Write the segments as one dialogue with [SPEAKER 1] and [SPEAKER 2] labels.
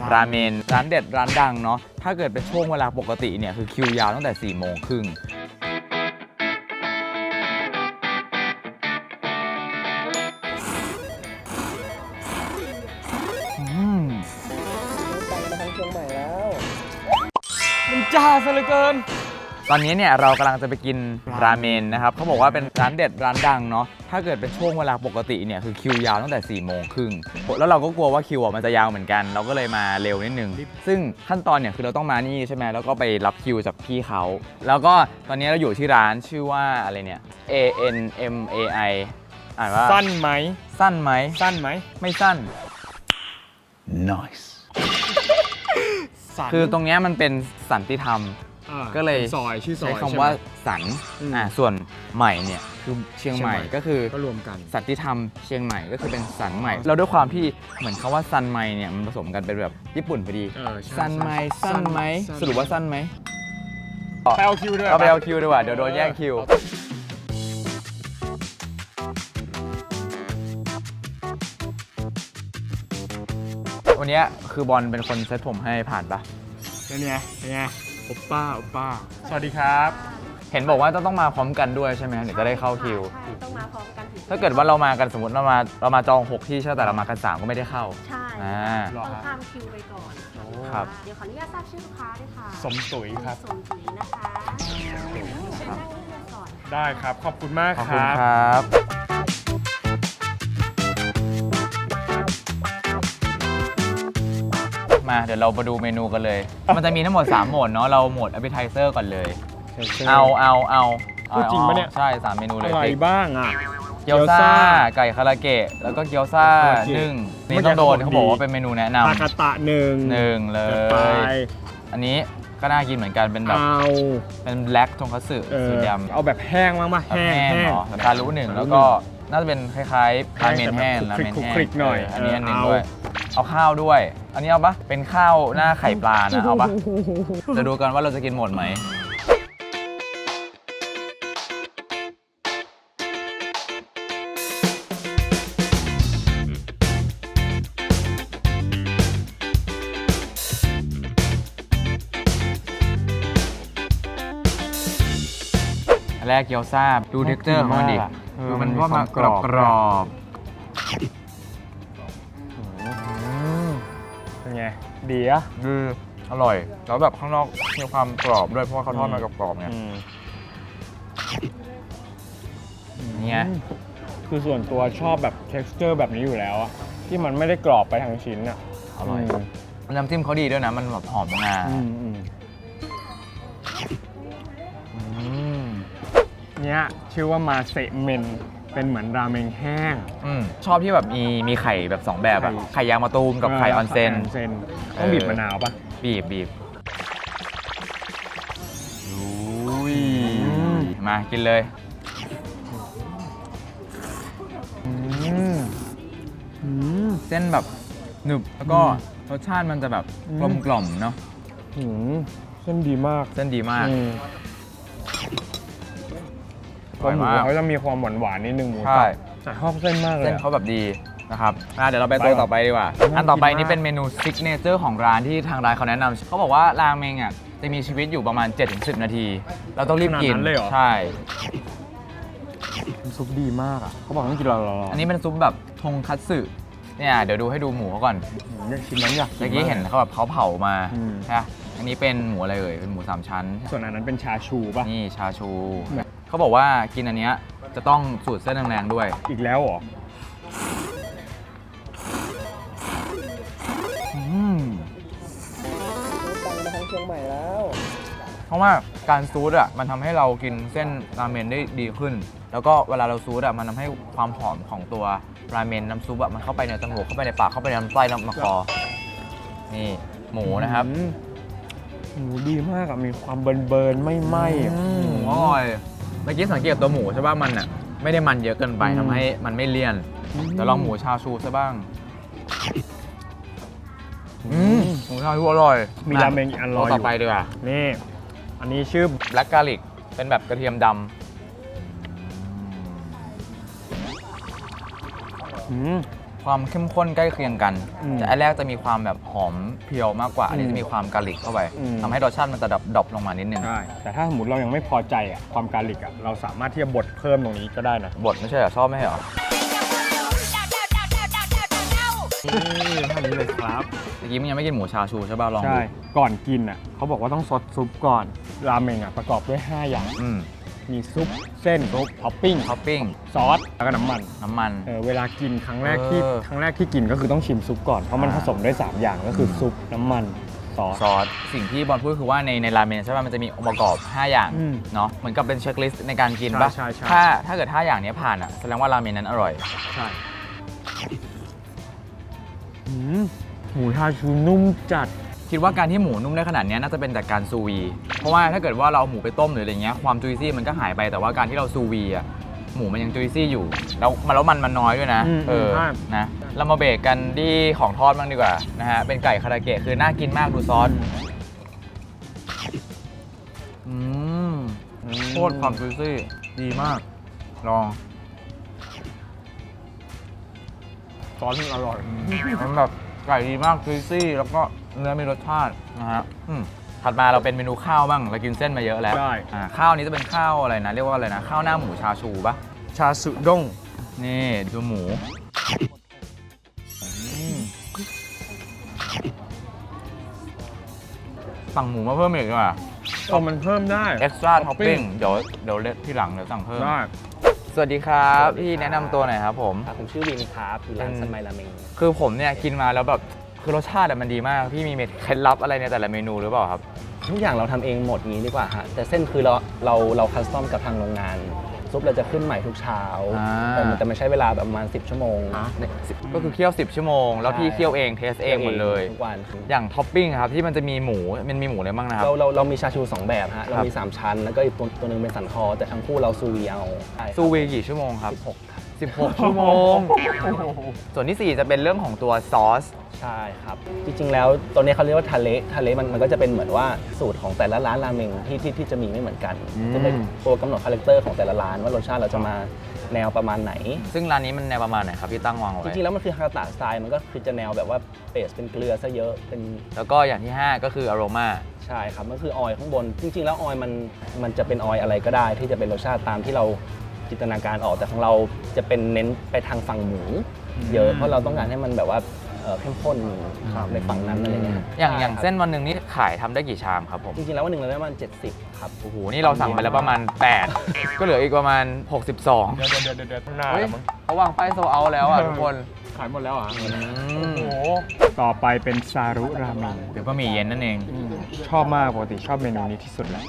[SPEAKER 1] ราเมนร้านเด็ดร้านดังเนาะถ้าเกิดเป็นช่วงเวลาปกติเนี่ยคือคิวยาวตั้งแต่4 โมงครึ่งมันจ้าซะเหลือเกินตอนนี้เนี่ยเรากำลังจะไปกินราเมนนะครับเขาบอกว่าเป็นร้านเด็ดร้านดังเนาะถ้าเกิดเป็นช่วงเวลาปกติเนี่ยคือคิวยาวตั้งแต่4 โมงครึ่งแล้วเราก็กลัวว่าคิวมันจะยาวเหมือนกันเราก็เลยมาเร็วนิดนึงซึ่งขั้นตอนเนี่ยคือเราต้องมานี่ใช่ไหมแล้วก็ไปรับคิวจากพี่เขาแล้วก็ตอนนี้เราอยู่ที่ร้านชื่อว่าอะไรเนี่ย ANMAI อ่านว่า
[SPEAKER 2] สั้นไหม
[SPEAKER 1] สั้นไหม
[SPEAKER 2] สั้นไหม
[SPEAKER 1] ไม่สั้น
[SPEAKER 3] Nice
[SPEAKER 1] คือตรงเนี้ยมันเป็นสันติธรรมก็เลย
[SPEAKER 2] ซอยชื่อซอย
[SPEAKER 1] ใช้คำว่าสันส่วนใหม่เนี่ยคือเชียงใหม่ก็คือ
[SPEAKER 2] ก็รวมกัน
[SPEAKER 1] สันติธรรมเชียงใหม่ก็คือเป็นสันใหม่แล้วด้วยความที่เหมือนคำว่าซันไมเนี่ยมันผสมกันเป็นแบบญี่ปุ่นพอดีซันไมสั้นไหมสรุปว่าสั้นไหม
[SPEAKER 2] ไปเอาคิวด้วย
[SPEAKER 1] เอาไปเอาคิวดีกว่าเดี๋ยวโดนแย่งคิววันนี้คือบอลเป็นคนเซตผมให้ผ่านปะ
[SPEAKER 2] เป็นไงโอป้าสวัสดีครับ
[SPEAKER 1] เห็นบอกว่าต้องมาพร้อมกันด้วยใช่ไหมถึงจะได้เข้าคิว
[SPEAKER 4] ใช่ต้องมาพร้อมกันถึง
[SPEAKER 1] ถ้าเกิดว่าเรามากันสมมติเรามาจอง6ที่ใช่แต่เรามากัน3ก็ไม่ได้เข้า
[SPEAKER 4] ใช่ต้องข้ามคิวไปก่อน
[SPEAKER 1] ครับ
[SPEAKER 4] เดี๋ยวขออนุญาตทราบชื่อลูกค้าด้วยค่ะ
[SPEAKER 2] สมตุ๋ยครับ
[SPEAKER 4] สมตุ๋ยนะคะครับ
[SPEAKER 2] ได้ครับขอบคุณมาก
[SPEAKER 1] ขอบ
[SPEAKER 2] ค
[SPEAKER 1] คุณ
[SPEAKER 2] รับ
[SPEAKER 1] ครับมาเดี๋ยวเรามาดูเมนูกันเลย มันจะมีทั้งหมด3 โหมดเนาะเราโหมด appetizer ก่อนเลยเอา
[SPEAKER 2] พูดจริงปะเนี่ย
[SPEAKER 1] ใช่3 เมนูเลย
[SPEAKER 2] อะไรบ้างอ่ะ
[SPEAKER 1] เกี๊ยวซ่าไก่คาราเกะแล้วก็เกี๊ยวซ่านึ่งนี่ต้องโดนเขาบอกว่าเป็นเมนูแนะนำ
[SPEAKER 2] ทากาตะหนึ่ง
[SPEAKER 1] เล
[SPEAKER 2] ไป
[SPEAKER 1] ยอันนี้ก็น่ากินเหมือนกันเป็นแบบเป็นแบล็กทงคัตสึสีดำ
[SPEAKER 2] เอาแบบแห้งบ้างป่ะแห้ง
[SPEAKER 1] เหรอตาลุหนึ่งแล้วก็น่าจะเป็นคล้ายๆราเมนแห้งราเมนแห้ง
[SPEAKER 2] คลิกหน่อย
[SPEAKER 1] อันนี้อันหนึ่งด้วยเอาข้าวด้วย อันนี้เอาปะเป็นข้าวหน้าไข่ปลานะเอาปะจะดูกันว่าเราจะกินหมดไหมแรกเกี๊ยวซ่าดูเท็กเจอร์ของมันดิคือมันว่ามันกรอบ
[SPEAKER 2] เป็นไงดีอ่ะ
[SPEAKER 1] อร่อยแล้วแบบข้างนอกมีความกรอบด้วยเพราะว่าเขาทอดมากรอบๆไงเนี่ย
[SPEAKER 2] คือส่วนตัวชอบแบบ texture แบบนี้อยู่แล้วอะที่มันไม่ได้กรอบไปทั้งชิ้นอะ
[SPEAKER 1] อร่อยน้ำจิ้มเขาดีด้วยนะมันแบบหอมงา
[SPEAKER 2] เนี่ยชื่อว่ามาเซเมนเป็นเหมือนราเมงแห้ง
[SPEAKER 1] ชอบที่แบบมีไข่แบบ2แบบอะไข่ยางมะตูมกับไข่ออนเซน
[SPEAKER 2] ต้องบีบมะนาวปะ
[SPEAKER 1] บีบมากินเลยเส้นแบบหนึบแล้วก็รสชาติมันจะแบบกลมกล่อมเนาะ
[SPEAKER 2] เส้นดีมากหมูเขาจะมีความหวานนิดนึงหมูสับแต่ชอบเส้นมากเลย
[SPEAKER 1] เส้นเขาแบบดีนะครับเดี๋ยวเราไปตัวต่อไปดีกว่าอันต่อไปนี่เป็นเมนูซิกเนเจอร์ของร้านที่ทางร้านเขาแนะนำเขาบอกว่าราเมงอ่ะจะมีชีวิตอยู่ประมาณ 7-10 นาทีเราต้องรีบกินใช่
[SPEAKER 2] ซุปดีมากอ่ะเขาบอกต้องกินรอ
[SPEAKER 1] อันนี้เป็นซุปแบบทงคัตสึเนี่ยเดี๋ยวดูให้ดูหมูเขาก่อน
[SPEAKER 2] ชิ้นนั้นอยาก
[SPEAKER 1] เมื่อกี้เห็นเขาแบบเขาเผามาใช่อันนี้เป็นหมูอะไรเอ่ยเป็นหมู3 ชั้น
[SPEAKER 2] ส่วนอันนั้นเป็นชาชูป่ะ
[SPEAKER 1] นี่ชาชูเขาบอกว่ากินอันเนี้ยจะต้องสูตรเส้นแรงๆด้วย
[SPEAKER 2] อีกแล้วเหรอเชียงใหม่แล้ว
[SPEAKER 1] เพราะว่าการซูดอ่ะมันทำให้เรากินเส้นราเมนได้ดีขึ้นแล้วก็เวลาเราซูดอ่ะมันทำให้ความหอมของตัวราเมนน้ำซุปอ่ะมันเข้าไปในจมูกเข้าไปในปากเข้าไปในลำไส้ลำคอนี่หมูนะครับ
[SPEAKER 2] หมูดีมากอ่ะมีความเบิร์นไม่ไหม้
[SPEAKER 1] อร่อยเมื่อกี้สังเกตตัวหมูใช่ป่ะมันอ่ะไม่ได้มันเยอะเกินไปทำให้มันไม่เลี่ยนเดี๋ยวลองหมูชาชูซะบ้างหมูชาชูอร่อย
[SPEAKER 2] มีราเมงอีกอันรออยู่
[SPEAKER 1] ต่อไปดีกว่า
[SPEAKER 2] นี่อันนี้ชื่อ
[SPEAKER 1] Black Garlic เป็นแบบกระเทียมดำความเข้มข้นใกล้เคียงกัน แต่อันแรกจะมีความแบบหอมเพียวมากกว่า อันนี้จะมีความกาลิกเข้าไปทำให้รสชาติมันจะดรอปลงมานิดนึง
[SPEAKER 2] ใช่แต่ถ้าสมมติเรายังไม่พอใจอ่ะความการลิกอ่ะเราสามารถที่จะบดเพิ่มตรงนี้ก็ได้นะ
[SPEAKER 1] บดไม่ใช่เหรอชอบไม่ใช่เหรอ
[SPEAKER 2] นี่เท่านี้เลยครับ
[SPEAKER 1] เมื่อกี้มึงยังไม่กินหมูชาชูใช่ป่ะลองดู
[SPEAKER 2] ใช่ก่อนกินอ่ะเขาบอกว่าต้องซดซุปก่อนราเมงอ่ะประกอบด้วย 5 อย่าง มีซุปเส้นซุปท็อปปิ้ง
[SPEAKER 1] ท็อปปิ้ง
[SPEAKER 2] ซอสแล้วก็น้ำมัน
[SPEAKER 1] น้ำมัน
[SPEAKER 2] เวลากินครั้งแรกที่
[SPEAKER 1] เออ
[SPEAKER 2] กินก็คือต้องชิมซุปก่อนเพราะมันผสมด้วย3อย่างก็คือซุปน้ำมันซอส
[SPEAKER 1] ซอสสิ่งที่บอลพูดคือว่าในราเมนใช่ป่ะมันจะมีองค์ประกอบ 5 อย่าง
[SPEAKER 2] อืม
[SPEAKER 1] เนาะเหมือนกับเป็นเช็คลิสต์ในการกินป่ะ
[SPEAKER 2] ใช่ใช่
[SPEAKER 1] ถ้าเกิด 5 อย่างนี้ผ่านอ่ะแสดงว่าราเมนนั้นอร่อย
[SPEAKER 2] ใช่หมูชาชูนุ่มจัด
[SPEAKER 1] คิดว่าการที่หมูนุ่มได้ขนาดนี้น่าจะเป็นจากการซูวี เพราะว่าถ้าเกิดว่าเราเอาหมูไปต้มหรืออะไรเงี้ยความจุยซี่มันก็หายไปแต่ว่าการที่เราซูวีอ่ะหมูมันยังจุยซี่อยู่แล้วมันน้อยด้วยนะ
[SPEAKER 2] ใช่
[SPEAKER 1] นะเรามาเบรกกันที่ของทอดบ้างดีกว่านะฮะเป็นไก่คาราเกะคือน่ากินมากดูซอสโคตรความจุยซี่ดีมากลอง
[SPEAKER 2] ซอสมันอร่อย
[SPEAKER 1] มันแบบไก่ดีมากจุยซี่แล้วก็เนื้อมีรสชาตินะฮะถัดมาเราเป็นเมนูข้าวบ้างเรากินเส้นมาเยอะแล้ว
[SPEAKER 2] ได้
[SPEAKER 1] ข้าวนี้จะเป็นข้าวอะไรนะเรียกว่าอะไรนะข้าวหน้าหมูชาชูปะ
[SPEAKER 2] ชาสุด้ง
[SPEAKER 1] นี่ดูหมูสั่งหมูมาเพิ่มอีกดีกว่า
[SPEAKER 2] มันเพิ่มได้
[SPEAKER 1] เอ็กซ์ตร้าท็อปปิ้งเดี๋ยวที่หลังเดี๋ยวสั่งเพิ่ม
[SPEAKER 2] ได้
[SPEAKER 1] สวัสดีครับพี่แนะนำตัวหน่อยครับผม
[SPEAKER 3] ผมชื่อวินครับอยู่ร้านซันไมราเมง
[SPEAKER 1] คือผมเนี่ยกินมาแล้วแบบคือรสชาติมันดีมากพี่มีเคล็ดลับอะไรในแต่ละเมนูหรือเปล่าครับ
[SPEAKER 3] ทุกอย่างเราทำเองหมดงี้ดีกว่าฮะแต่เส้นคือเราคัสตอมกับทางโรงงาน ซุปเราจะขึ้นใหม่ทุกเช้า แต่มันใช้เวลาแบบประมาณ10 ชั่วโมง
[SPEAKER 1] ก็คือเคี่ยว10 ชั่วโมงแล้วพี่เคี่ยวเองเทสเองหมดเลย
[SPEAKER 3] ทุกวัน
[SPEAKER 1] อย่างท็อปปิ้งครับที่มันจะมีหมูมันมีหมูอะไรบ้างนะครับ
[SPEAKER 3] เรามีชาชู 2 แบบฮะเรามี 3 ชั้น แล้วก็อีกตัวหนึงเป็นสันคอ แต่ทั้งคู่เราซูวีเอา
[SPEAKER 1] ซูวีกี่ชั่วโมงครับ
[SPEAKER 3] 16 ครับ
[SPEAKER 1] 16 ชั่วโมง ส่วนที่ 4 จะเป็นเรื่องของตัวซอส
[SPEAKER 3] ใช่ครับ จริงๆแล้วตัวนี้เขาเรียกว่าทะเลมันก็จะเป็นเหมือนว่าสูตรของแต่ละร้านราเมงที่จะมีไม่เหมือนกันจะเป็นตัวกำหนดคาแรคเตอร์ของแต่ละร้านว่ารสชาติเราจะมาแนวประมาณไหน
[SPEAKER 1] ซึ่งร้านนี้มันแนวประมาณไหนครับพี่ตั้งวาง
[SPEAKER 3] จ
[SPEAKER 1] ไว้
[SPEAKER 3] ริงๆแล้วมันคือฮากาตะสไตล์มันก็คือจะแนวแบบว่าเบสเป็นเกลือซะเยอะเป็น
[SPEAKER 1] แล้วก็อย่างที่ 5 ก็คืออโรมา
[SPEAKER 3] ใช่ครับมันคือออยล์ข้างบน จริงๆแล้วออยล์มันจะเป็นออยล์อะไรก็ได้ ที่จะเป็นรสชาติตามที่เราจินตนาการออกแต่ของเราจะเป็นเน้นไปทางฝั่งหมูเยอะเพราะเราต้องการให้มันแบบว่าเข้มข้นในฝั่งนั้นอะไรเงี้ย
[SPEAKER 1] อย่างเส้นวันหนึ่งนี่ขายทำได้กี่ชามครับผม
[SPEAKER 3] จริงๆแล้ววันหนึ่งเราได้ประมาณ70ครับ
[SPEAKER 1] โอ้โหนี่เราสั่งไปแล้วประมาณ 8 ก็เหลืออีกประมาณ 62
[SPEAKER 2] เดี๋ยวข้างหน้า
[SPEAKER 1] เฮ้ย
[SPEAKER 2] แล้วมั้ง
[SPEAKER 1] เขาวางป้ายโซเอาแล้วอ่ะทุกคน
[SPEAKER 2] ขายหมดแล้วอ่ะ
[SPEAKER 1] อื
[SPEAKER 2] โอ้
[SPEAKER 1] ม
[SPEAKER 2] โหต่อไปเป็นซารุราเมง
[SPEAKER 1] เดี๋ยวก็มีเย็นนั่นเอง
[SPEAKER 2] ชอบมากปกติชอบเมนูนี้ที่สุดแล้ว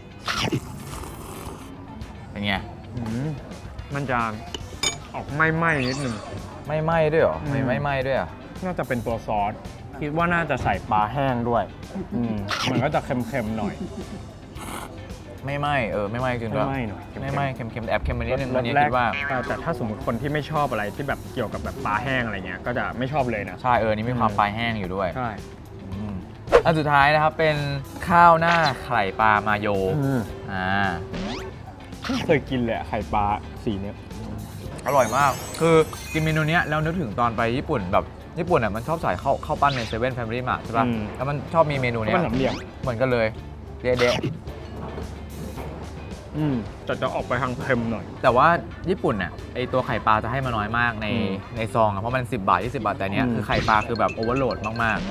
[SPEAKER 1] เป็นไง
[SPEAKER 2] มันจะออกไหม้ๆนิดนึง
[SPEAKER 1] ไม่ไหม้ด้วยเหรอ
[SPEAKER 2] อืม
[SPEAKER 1] ไม่ไหม้ด้วยอ่ะ
[SPEAKER 2] น่าจะเป็นตัวซอส คิดว่าน่าจะใส่ปลาแห้งด้วย มันก็จะเค็มๆหน่อย
[SPEAKER 1] ไม่ไหม้ไม่ไหม้จริงด้วย
[SPEAKER 2] ไม่ไหม้หน่อย
[SPEAKER 1] ไม่ไหม้เค็มๆแอบเค็มไปนิดนึง
[SPEAKER 2] ร
[SPEAKER 1] อั
[SPEAKER 2] ส
[SPEAKER 1] นนี้
[SPEAKER 2] แร
[SPEAKER 1] คิ
[SPEAKER 2] ก
[SPEAKER 1] ดว่า
[SPEAKER 2] แต่ถ้าสมมติคนที่ไม่ชอบอะไรที่แบบเกี่ยวกับแบบปลาแห้งอะไรเงี้ยก็จะไม่ชอบเลยนะ
[SPEAKER 1] ใช่นี่มีความปลายแห้งอยู่ด้วย
[SPEAKER 2] ใช่
[SPEAKER 1] อันสุดท้ายนะครับเป็นข้าวหน้าไข่ปลามาโยอ่า
[SPEAKER 2] ไม่เคยกินเลยอะไข่ปลาสีเนี้ย
[SPEAKER 1] อร่อยมาก คือกินเมนูเนี้ยแล้วนึกถึงตอนไปญี่ปุ่นแบบญี่ปุ่นอ่ะมันชอบใส่ข้าวปั้นในเซเว่นแฟมิลี่มาร์ทใช่ป่ะ แล้วมันชอบมีเมนูเนี้
[SPEAKER 2] มั
[SPEAKER 1] ย
[SPEAKER 2] นสามเหลี่ยม
[SPEAKER 1] เหมือนกันเลยเดะ
[SPEAKER 2] แต่จะออกไปทางเค็มหน่อย
[SPEAKER 1] แต่ว่าญี่ปุ่นน่ะไอตัวไข่ปลาจะให้มาน้อยมากในซองอ่ะเพราะมัน10 บาท 20 บาทแต่เนี้ยคือไข่ปลาคือแบบโอเวอร์โหลดมาก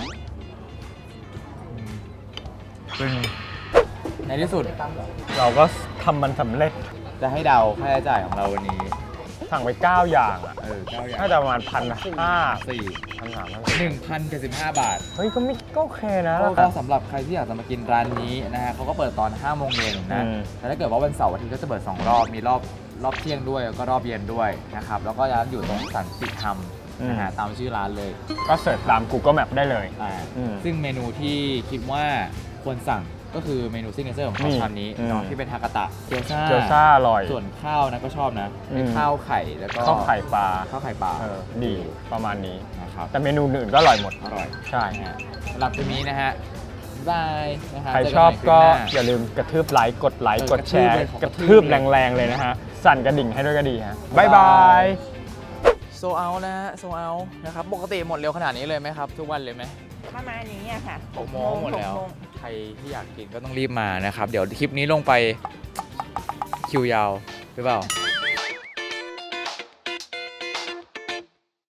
[SPEAKER 1] ๆซึ่งในที่สุด
[SPEAKER 2] เราก็ทำมันสำเร็จ
[SPEAKER 1] จะให้เดาค่าใช้จ่ายของเราวันนี้
[SPEAKER 2] สั่งไป 9 อย่างอ่ะ
[SPEAKER 1] 9 อย่าง
[SPEAKER 2] น่าจะประมาณ1,500
[SPEAKER 1] 1,075 บาท
[SPEAKER 2] เฮ้ยก็โอเคนะ
[SPEAKER 1] ก็สำหรับใครที่อยากจะมากินร้านนี้นะฮะเขาก็เปิดตอน 5 โมงเย็นนะ แต่ถ้าเกิดว่าวันเสาร์อาทิตย์ก็จะเปิด 2 รอบ มีรอบเที่ยงด้วยแล้วก็รอบเย็นด้วยนะครับ แล้วก็ร้านอยู่ตรงสันติธรรมนะฮะตามชื่อร้านเลย
[SPEAKER 2] ก็เสิร์ชตาม Google Map ได้เลย
[SPEAKER 1] ซึ่งเมนูที่คิดว่าควรสั่งก็คือเมนูซิกเนเจอร์ของเขาชามนี้เนาะที่เป็นฮากาตะเกี๊ยวซ่า
[SPEAKER 2] อร่อย
[SPEAKER 1] ส่วนข้าวนะก็ชอบนะเป็นข้าวไข่แล้วก็
[SPEAKER 2] ข้าวไข่ปลา
[SPEAKER 1] ข้าวไข่ปลา
[SPEAKER 2] ดีประมาณนี้
[SPEAKER 1] นะครับ
[SPEAKER 2] แต่เมนูอื่นก็อร่อยหมด
[SPEAKER 1] อร่อย
[SPEAKER 2] ใช่
[SPEAKER 1] นะฮะสำหรับวันนี้นะฮะบ๊ายบายนะฮะ
[SPEAKER 2] ใคร
[SPEAKER 1] เจ
[SPEAKER 2] ชอบ
[SPEAKER 1] นใหม่
[SPEAKER 2] ก็
[SPEAKER 1] คลิปหน้า
[SPEAKER 2] อย่าลืมกระทืบไลค์กดไลค์กดแชร์
[SPEAKER 1] ก
[SPEAKER 2] ก
[SPEAKER 1] ระ
[SPEAKER 2] ระ
[SPEAKER 1] ทื
[SPEAKER 2] ทื
[SPEAKER 1] บบ เลย
[SPEAKER 2] แรงๆเลยนะฮะ สั่นกระดิ่งให้ด้วยก็ดีฮะ
[SPEAKER 1] บ๊า
[SPEAKER 2] บ๊าย ย
[SPEAKER 1] บา
[SPEAKER 2] บาย ย
[SPEAKER 1] เอานะฮะโซเอานะครับปกติหมดเร็วขนาดนี้เลยไหมครับทุกวันเลยไหม
[SPEAKER 5] ประมาณนี้อะค่ะ
[SPEAKER 1] 6 โมงหมดแล้ว
[SPEAKER 5] 6 โมง
[SPEAKER 1] ใครที่อยากกินก็ต้องรีบมานะครับ เดี๋ยวคลิปนี้ลงไปคิวยาวหรือเปล่า